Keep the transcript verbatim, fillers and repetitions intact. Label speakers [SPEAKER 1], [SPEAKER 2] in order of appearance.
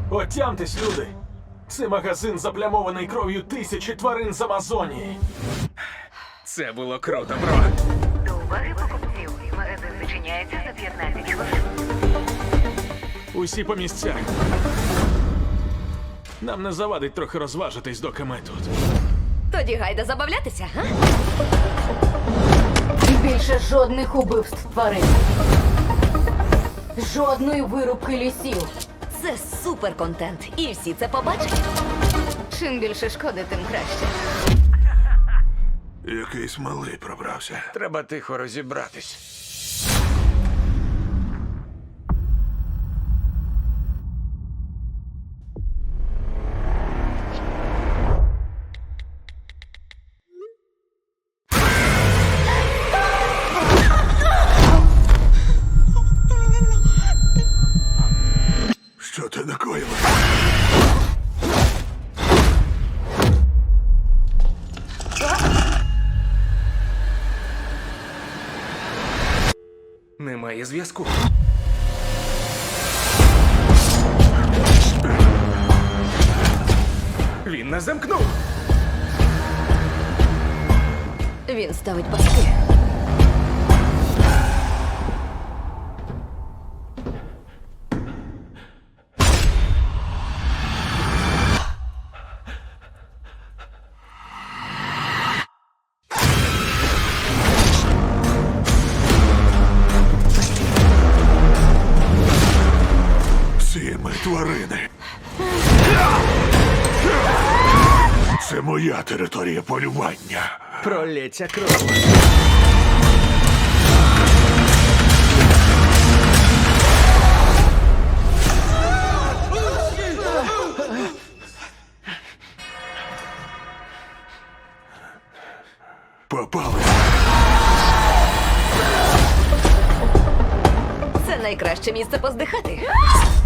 [SPEAKER 1] Отямтесь, люди! Це магазин заплямований кров'ю тисячі тварин з Амазонії.
[SPEAKER 2] Це було круто, бро.
[SPEAKER 3] До уваги покупців. Магазин зачиняється за п'ятнадцять хвилин.
[SPEAKER 1] Усі по місцях. Нам не завадить трохи розважитись, доки ми тут.
[SPEAKER 4] Тоді гайда забавлятися, га?
[SPEAKER 5] Більше жодних убивств тварин. Жодної вирубки лісів.
[SPEAKER 4] Це супер контент, і всі це побачать.
[SPEAKER 5] Чим більше шкоди, тим краще.
[SPEAKER 6] Якийсь малий пробрався.
[SPEAKER 2] Треба тихо розібратись.
[SPEAKER 6] Що ти накоїла?
[SPEAKER 2] Немає зв'язку. Він нас замкнув.
[SPEAKER 4] Він ставить паски.
[SPEAKER 6] Всі ми тварини. Це моя територія полювання.
[SPEAKER 2] Пролється кров.
[SPEAKER 6] Попали.
[SPEAKER 4] Це найкраще місце поздихати.